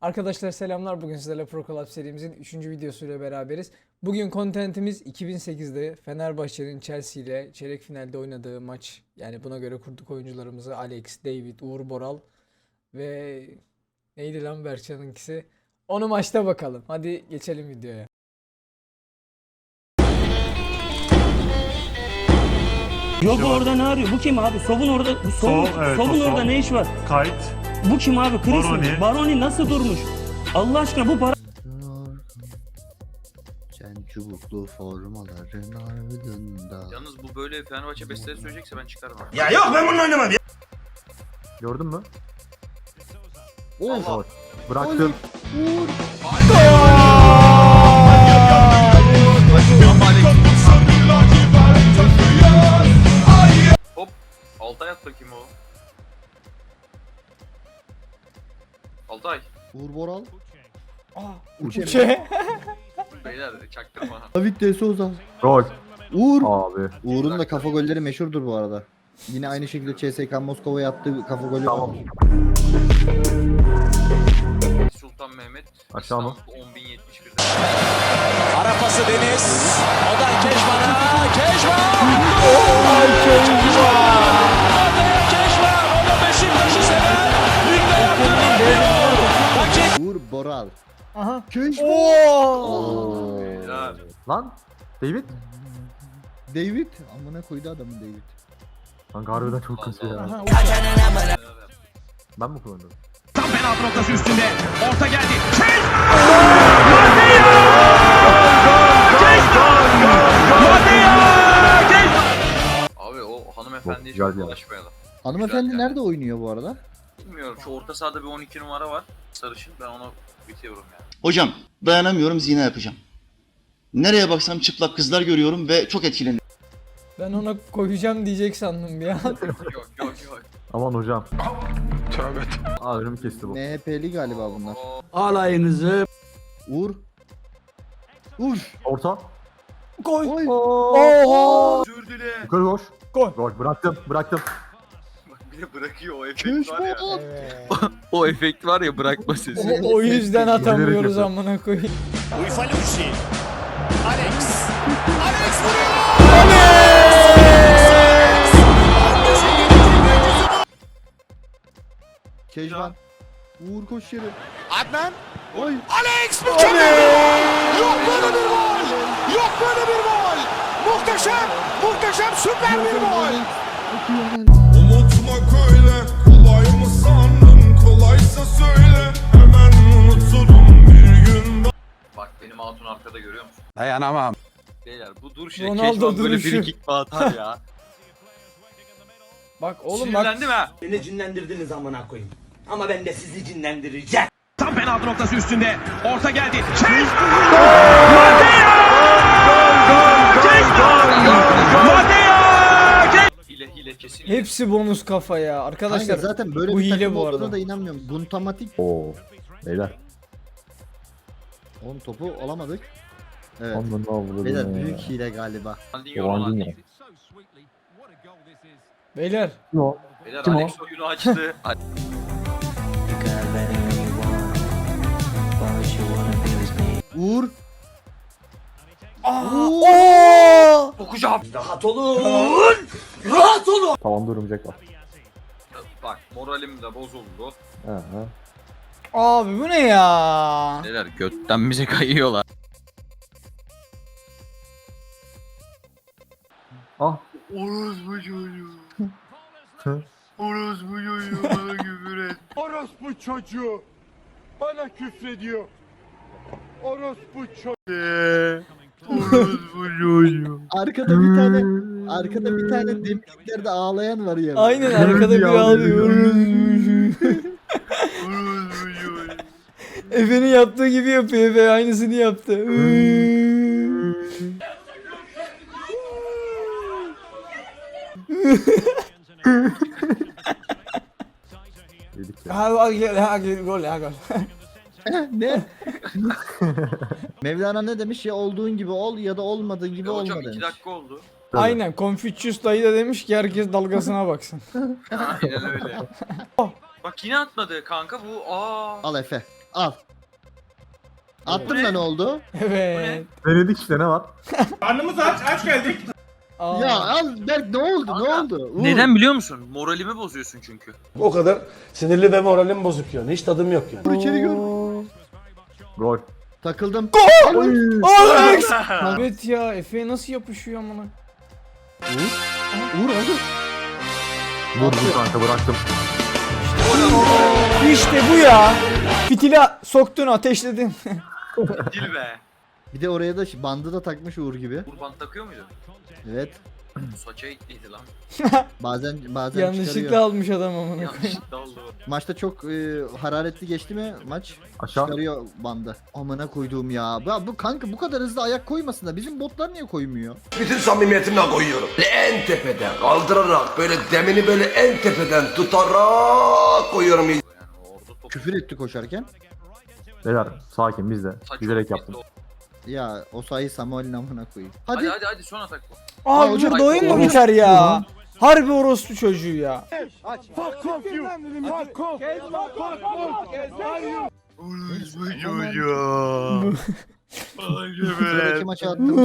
Arkadaşlar selamlar. Bugün sizlerle Pro Club serimizin 3. videosuyla beraberiz. Bugün kontentimiz 2008'de Fenerbahçe'nin Chelsea ile çeyrek finalde oynadığı maç. Yani buna göre kurduk oyuncularımızı: Alex, David, Uğur Boral ve neydi lan Berkcan'ınkisi? Onu maçta bakalım. Hadi geçelim videoya. Yok orada ne arıyor? Bu kim abi? Sov'un orada. Evet, Sov'un o orada Sov. ne iş var? Kayıt. Bu kim abi? Chris mi? Baroni. Baroni nasıl durmuş? Allah aşkına bu para... Sen çubuklu formaların ardında. Yalnız bu böyle Fenerbahçe besteleri söyleyecekse ben çıkarım abi. Ya yok ben bununla oynamam ya. Gördün mü? Allah. Bıraktım. Hop. Altay at bakayım o. Altay. Uğur Boral. Uçe. Beyler çaktırma. David De Souza. Gol. Uğur. Abi. Uğur'un da kafa golleri meşhurdur bu arada. Yine aynı şekilde CSKA Moskova'ya attığı kafa golü Tamam. var. Sultan Mehmet. Aşağı mı? İstanbul 10.071'de. Ara pası Deniz. Odan Keşman'a. Keşman! Keşman! O da Beşiktaş'ı sever. Ligde yaptı. Uğur Boral. Aha. Keşman. Oo. Beyler. Lan. David. David. Amına koydu adamın David. Kanka harbiden çok kötü ya. Aha. Ben mi kullandım? Tam penaltı noktası üstünde. Orta geldi. Abi o hanımefendiye Güzel çok bir yer. ulaşmayalım. Hanımefendi Güzel yani. nerede oynuyor bu arada? Bilmiyorum, şu orta sahada bir 12 numara var. Sarışın, ben onu bitiyorum yani. Hocam dayanamıyorum zina yapacağım. Nereye baksam çıplak kızlar görüyorum ve çok etkileniyorum. Ben ona koyacağım diyecek sandım bir an. Yok yok yok. Aman hocam. Tövbe. Aa önümü kesti bu. MHP'li galiba bunlar. Alayınızı... Uğur. Uğur. Orta. Koy. Oy. Oha. Özür dile. Yukarı koş. Gol. Gol. Bıraktım. Bıraktım. Bak bir de bırakıyor o efekt var ya. Keşman. Evet. O efekt var ya, bırakma sesi. O yüzden atamıyoruz yapıyor. amına koyayım. Uyfalucci. Alex. Alex vuruyor. Keşman. Uğur koş yere. Adnan. Oy. Alex mükemmel bir gol. Yok böyle bir gol. Yok böyle bir gol. Muhteşem. Muhteşem süper bir gol. Unutmak öyle kolay mı sandın, kolaysa söyle hemen unuturum bir gün. Bak benim hatun arkada görüyor musun? Dayanamam. Beyler bu duruşuyla Ronaldo Keşman böyle duruşu. free kick atar ya. Bak oğlum bak. Sinirlendim ha. Beni cinlendirdiniz amına koyayım. Ama ben de sizi cinlendireceğim. Tam penaltı noktası üstünde. Orta geldi. Hile kesin. Hepsi bonus kafa ya. Arkadaşlar Kanka zaten böyle bu bir hile takım bu olduğuna arada. da inanmıyorum. Guntamatik. Oo. Beyler. Oğlum topu alamadık. Evet. Ondan ne avladım Beyler ya. büyük hile galiba. Ronaldinho. Beyler. No. Beyler Kim o? Alex oyunu açtı. Uğur. Okuyacağım. Rahat olun. Rahat olun. Tavanda örümcek var. Bak moralim de bozuldu. Aha. Abi bu ne ya? Beyler götten bize kayıyorlar. Ah. Orospu çocuğu. Orospu çocuğu bana küfür et. Orospu çocuğu bana küfrediyor. Orospu çocuğu. Orospu çocuğu. Arkada bir tane demirliklerde ağlayan var ya. Aynen arkada bir ağlıyor. Orospu çocuğu. Efe'nin yaptığı gibi yapıyor. Efe aynısını yaptı. Yedik ya. Ha gol ha gol. Ne? Mevlana ne demiş ya, olduğun gibi ol ya da olmadığın gibi Ya olma hocam demiş. 2 dakika oldu. Aynen Confucius dayı da demiş ki herkes dalgasına baksın. Aynen öyle. Bak yine atmadı kanka bu. Aa. Al Efe. Al. Attım da ne oldu? Evet. Denedik işte ne var? Karnımız aç geldik. Aa. Ya al Berk ne oldu? Ne Kanka, oldu? Uğur. Neden biliyor musun? Moralimi bozuyorsun çünkü. O kadar sinirli ve moralim bozuk yani. Hiç tadım yok yani. Vur içeri gör. Gol. Takıldım. Alex! Evet ya, Efe'ye nasıl yapışıyor amına? Uğur hadi. Vurdum kanka bıraktım. İşte bu ya. Fitili soktun, ateşledin. Dil be. Bir de oraya da bandı da takmış Uğur gibi. Kurban takıyor muydu? Evet. Saça itliydi lan. Bazen Yanlışlıkla çıkarıyor. almış adam amına koyayım. Yanlışlıkla oldu. Maçta çok hararetli geçti mi maç? Aşağı. Çıkarıyor bandı. Amına koyduğum ya. Bu kanka bu kadar hızlı ayak koymasın da bizim botlar niye koymuyor? Bütün samimiyetimle koyuyorum. En tepeden kaldırarak böyle demini böyle en tepeden tutarak koyuyorum. Yani orada top. Küfür etti koşarken. Beyler sakin biz de. Saç Bilerek çok yaptım. belli. Ya o sayı Samuel'in amına koyayım. Hadi Hadi. hadi son atak bu. Aa, hocam, burada oyun mu orospu biter ya? Harbi orospu çocuğu ya. Fuck off you. Fuck off. Fuck off. Sıradaki maça attım.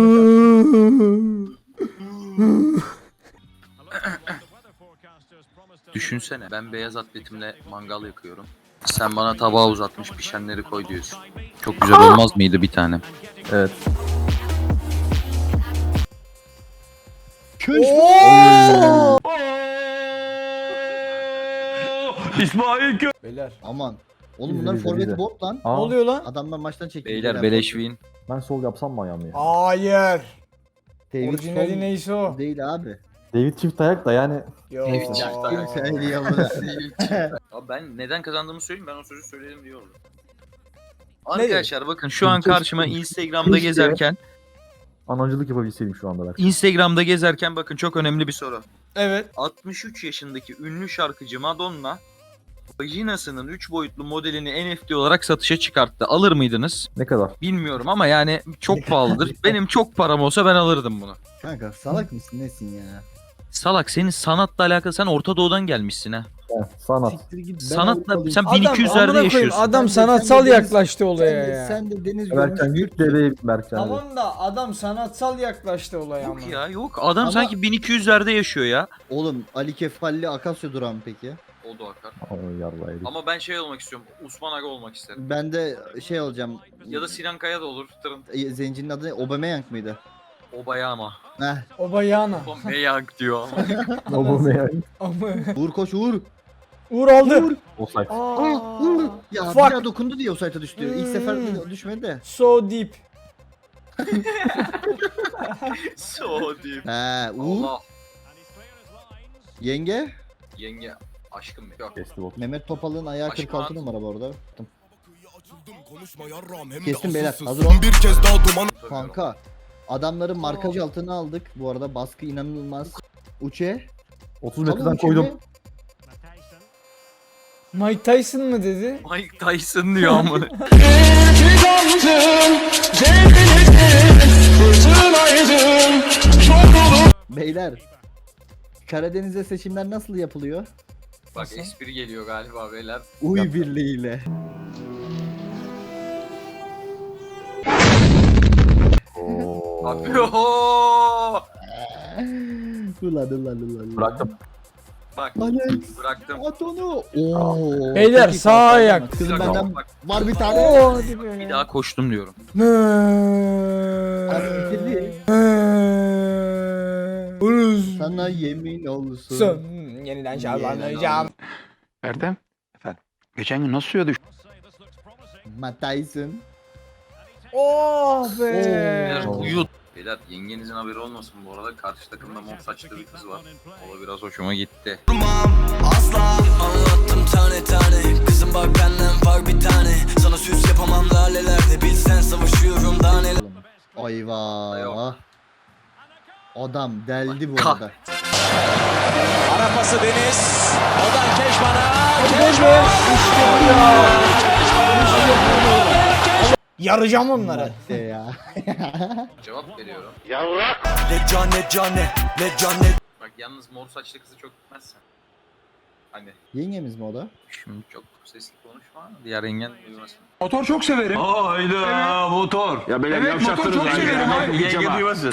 Düşünsene ben beyaz atletimle mangal yakıyorum. Sen bana tabağa uzatmış pişenleri koy diyorsun. Çok güzel olmaz mıydı bir tane? Evet. Beyler. Aman. Oğlum Bizi, bunların bizi, forveti bizi. bot lan. Ne Aa, oluyor lan? Adamlar maçtan çekildi. Beyler beleş win. ben sol yapsam mı ayağımı ya? Hayır. David Orijinali Sol neyse o. değil abi. David çift ayak da yani. Yo. David çift ayak. Kimse eli yamına. Abi ben neden kazandığımı söyleyeyim, ben o sözü söyledim diye oldu. Arkadaşlar bakın şu an Keşke- karşıma Instagram'da keşke- gezerken Anacılık yapabilseydim şu anda belki. Instagram'da gezerken bakın çok önemli bir soru. Evet. 63 yaşındaki ünlü şarkıcı Madonna vajinasının 3 boyutlu modelini NFT olarak satışa çıkarttı. Alır mıydınız? Ne kadar? Bilmiyorum ama yani çok pahalıdır. Benim çok param olsa ben alırdım bunu. Kanka salak mısın nesin ya? Salak, senin sanatla alakalı, sen Orta Doğu'dan gelmişsin ha. Sanat. Siktir git. Ben Sanatla Avrupalıyım. sen Adam 1200'lerde amına koyayım, yaşıyorsun. adam Sen de sanatsal deniz- yaklaştı olaya ya. Sen de deniz Berkcan görmüş yük Türksün. dedeyim Berkcan. Tamam da adam sanatsal yaklaştı olaya ama. Yok ya, yok. Adam Ama- sanki 1200'lerde yaşıyor ya. Oğlum Ali Kefalli Akasya durağı mı peki? O da akar. Oy yarraydı. Ama ben şey olmak istiyorum. Osman Aga olmak isterim. Ben de şey olacağım. Ya da Sinan Kaya da olur. Tırın. Zencinin adı ne? Aubameyang mıydı? Obayama. Heh. Obayana. Obayang diyor ama. O bu ne yani? Ama. Uğur koş Uğur. Uğur aldı. Offside. Ah Uğur. Ya Fuck. bir daha dokundu diye o sayta düştü. İlk sefer düşmedi de. So deep. So deep. He Uğur. Allah. Yenge. Yenge. Aşkım benim. Yok. Kesti bot. Mehmet Topal'ın ayağı Başka 46 var. numara bu arada. Konuşma yarram hem de Kestim beyler, asılsız. hazır ol. Bir kez daha duman. Kanka. Adamların markacı altına aldık. Bu arada baskı inanılmaz. Uçe. 30 Alın metreden Uçe koydum. mi? Mike Tyson mı dedi? Mike Tyson diyor ama. Beyler. Karadeniz'de seçimler nasıl yapılıyor? Bak espri geliyor galiba beyler. Uy birliğiyle. Oo. Abi oho! Ulan. Bıraktım. Bak Alex. bıraktım. At onu. Oo. Beyler, çok iyi sağ kalktı ayak. ama. Kızım Bir dakika, benden bak. var bir tane. Oo, hadi be. Bir daha koştum diyorum. Abi bitirdi. Uruz. Sana yemin olsun. Son. Yeniden şarlanacağım. Erdem. Efendim. Geçen gün nasıl suya düştün? Matt Tyson. Oh be. Beyler Oo. uyut. Beyler yengenizin haberi olmasın bu arada. Karşı takımda mor saçlı bir kız var. O da biraz hoşuma gitti. Asla anlattım tane tane. Kızım bak benden var bir tane. Sana süs yapamam lalelerde. Bilsen savaşıyorum daha neler. Ayva. Adam deldi bu Kah. arada. Ara pası Deniz. Odan Keşman'a. Yaracağım onları. De ya. Cevap veriyorum. Ne cane. Bak yalnız mor saçlı kızı çok gitmezsen. Hani Yengemiz mi o da? şimdi çok sesli konuşma. Diğer yengen duymasın. Motor çok severim. Hayda motor. Ya benim Evet, motor çok severim abi. Yenge duymasın.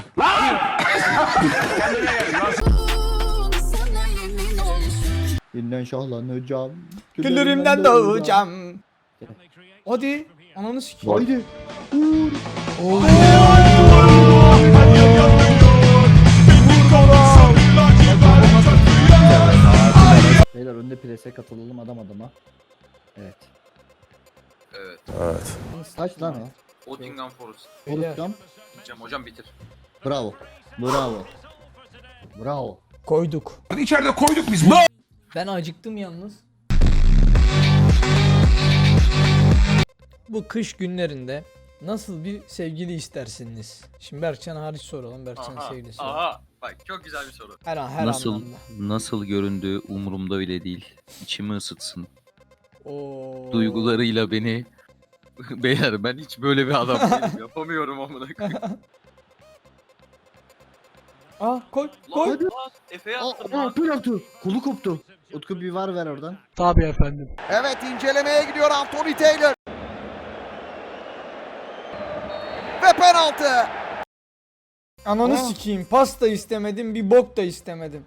Yeniden şahlanacağım. Küllerimden doğacağım. Hadi. Ananı sikeyim. Haydi. Beyler önde prese katılalım adam adama. Evet. Evet. Kaç lan o? Nottingham Forest. Olukam. Diyeceğim hocam bitir. Bravo. Bravo. Bravo. Koyduk. İçeride koyduk biz. Ben acıktım yalnız. Bu kış günlerinde nasıl bir sevgili istersiniz? Şimdi Berkcan hariç soralım. Berkcan'ın sevgilisi. Aha. Bak çok güzel bir soru. Her an her Nasıl anlamda. nasıl göründüğü umurumda bile değil. İçimi ısıtsın. Oo. Duygularıyla beni beyler ben hiç böyle bir adam değilim. Yapamıyorum amına koyayım. Aa koy koy. Lan, Efe'ye attım lan. Penaltı. Kolu koptu. Utku bir var ver oradan. Tabii efendim. Evet incelemeye gidiyor Anthony Taylor. Ve penaltı. Ananı sikeyim. Pas da istemedim, bir bok da istemedim.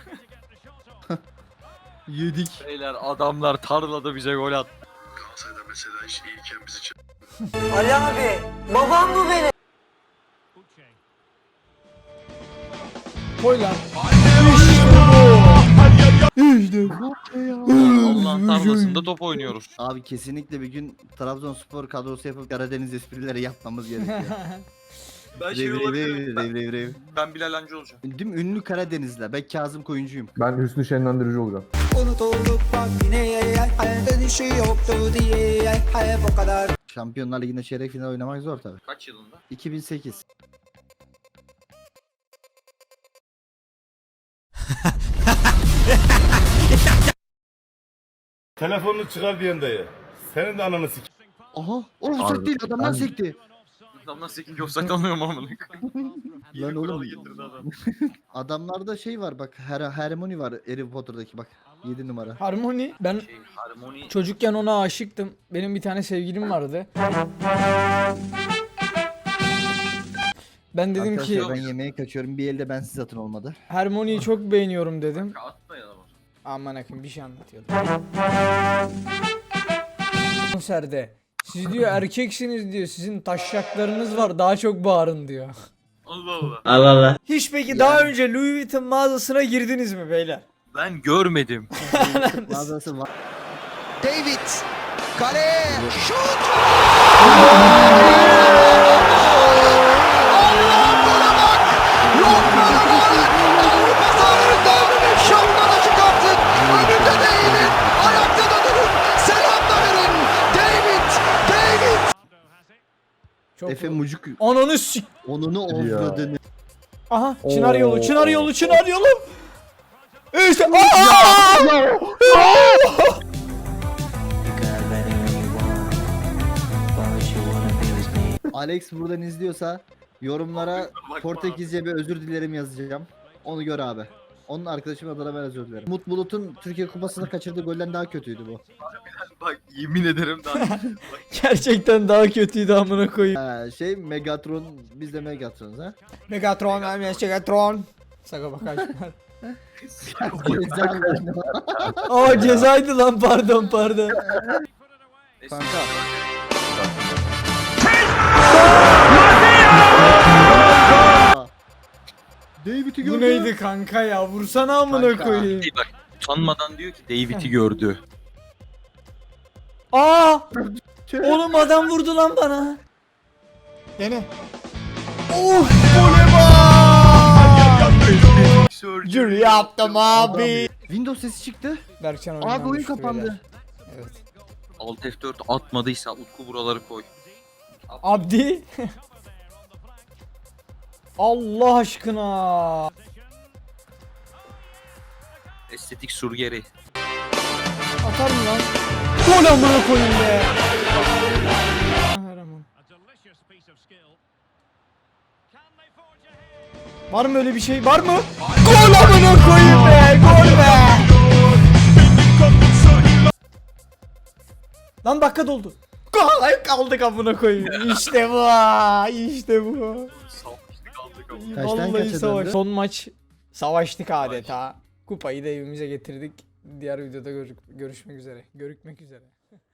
Yedik. Beyler adamlar tarlada bize gol attı. Ali abi, babam mı benim? Koy lan. İşte bu. Allah'ın tarlasında top oynuyoruz. Abi kesinlikle bir gün Trabzonspor kadrosu yapıp Karadeniz esprileri yapmamız gerekiyor. Ben Ben Bilal Hancı olacağım. Değil mi? Ünlü Karadenizler. Ben Kazım Koyuncuyum. Ben Hüsnü Şenlendirici olacağım. Şampiyonlar Ligi'nde çeyrek final oynamak zor tabii. Kaç yılında? 2008. Telefonunu çıkar diyen dayı. Senin de ananı sik. Aha! O offside değil adamdan sekti. Adamdan 8 offside almıyorum amına koyayım. Lan oğlum. Getirdi adam. Adamlarda şey var bak. Hermione var Harry Potter'daki bak. 7 numara. Harmony. Ben Harmoni çocukken ona aşıktım. Benim bir tane sevgilim vardı. Ben dedim ki Arkadaşlar ben yemeğe kaçıyorum. Bir elde bensiz atın olmadı. Harmony'yi çok beğeniyorum dedim. atmayalım. Aman akım bir şey anlatıyordum. Konserde. Siz diyor erkeksiniz diyor. Sizin taşşaklarınız var. Daha çok bağırın diyor. Allah Allah. Hiç peki daha önce Louis Vuitton mağazasına girdiniz mi beyler? Ben görmedim. Mağazası var. David. Kaleye. Şut. Allah'ım bana bak. Yok böyle gol. Avrupa sahalarında şapkanı çıkartın. Önünde değilin. Ayakta da durun. Selam da verin. David. David. Çok Efe Mucuk. Ananı sik. Onunu offladığını. Aha çınar yolu, çınar yolu, çınar yolu. İşte aa! Alex buradan izliyorsa yorumlara Portekizce bir özür dilerim yazacağım. Onu gör abi. Onun arkadaşım adına ben özür dilerim. Umut Bulut'un Türkiye Kupası'nda kaçırdığı golden daha kötüydü bu. Bak yemin ederim daha. Gerçekten daha kötüydü amına koyayım. Şey Megatron, biz de Megatron'uz ha. Megatron, Megatron. Saka bakar. Aa cezaydı lan pardon. Kanka. David'i Bu gördü. neydi kanka ya? Vursana amına Kanka. koyayım. Bak utanmadan diyor ki David'i gördü. Aa! Oğlum adam vurdu lan bana. Gene. Of! Surgery yaptım abi. Windows sesi çıktı. Berkcan Abi oyundan oyun düştü kapandı. beyler. Evet. Alt F4 atmadıysa Utku buraları koy. Abdi. Allah aşkına. Estetik surgeri. Atar mı lan? Gol amına koyayım be. Kahraman. Var mı öyle bir şey? Var mı? Gol amına koyayım be. Gol be. Lan dakika doldu. Kaldık amına koyayım. İşte bu. İşte bu. Kaçtan Vallahi kaça savaş. döndü? Son maç savaştık adeta. Kupayı da evimize getirdik. Diğer videoda görüşmek üzere. Görükmek üzere.